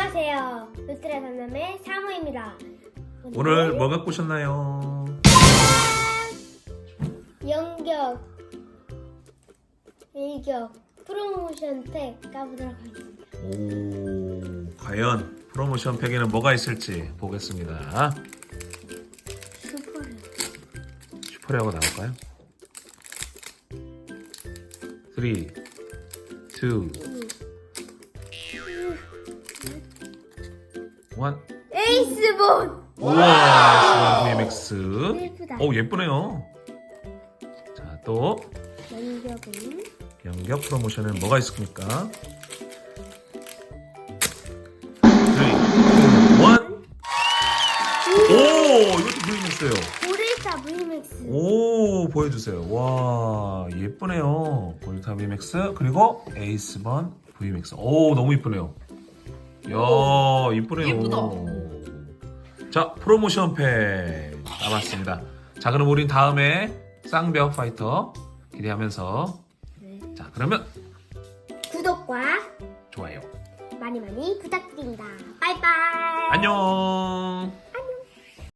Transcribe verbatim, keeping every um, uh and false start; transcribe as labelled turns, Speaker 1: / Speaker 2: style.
Speaker 1: 안녕하세요. 루트라 삼남의 사무입니다.
Speaker 2: 오늘 뭐 갖고 오셨나요?
Speaker 1: 연격, 일격, 프로모션 팩 까보도록 하겠습니다.
Speaker 2: 오, 과연 프로모션 팩에는 뭐가 있을지 보겠습니다.
Speaker 1: 슈퍼를.
Speaker 2: 슈퍼레어가 나올까요? 삼, 이, 일.
Speaker 1: 에이스본!
Speaker 2: 우와, 브이엠엑스.
Speaker 1: 예쁘다.
Speaker 2: 오, 예쁘네요. 자, 또
Speaker 1: 연격은
Speaker 2: 연격 프로모션은 뭐가 있습니까? 삼, 이, 일. 오, 이것도 브이엠엑스예요.
Speaker 1: 고릴타 브이맥스.
Speaker 2: 오, 보여주세요. 와, 예쁘네요. 골타 브이맥스 그리고 에이스번 브이맥스. 오, 너무 이쁘네요. 이야, 이쁘네요.
Speaker 3: 예쁘다.
Speaker 2: 자, 프로모션 팩 남았습니다. 자, 그럼 우린 다음에 쌍벽 파이터 기대하면서
Speaker 1: 네.
Speaker 2: 자, 그러면
Speaker 1: 구독과
Speaker 2: 좋아요.
Speaker 1: 많이 많이 부탁드립니다. 빠이빠이.
Speaker 2: 안녕.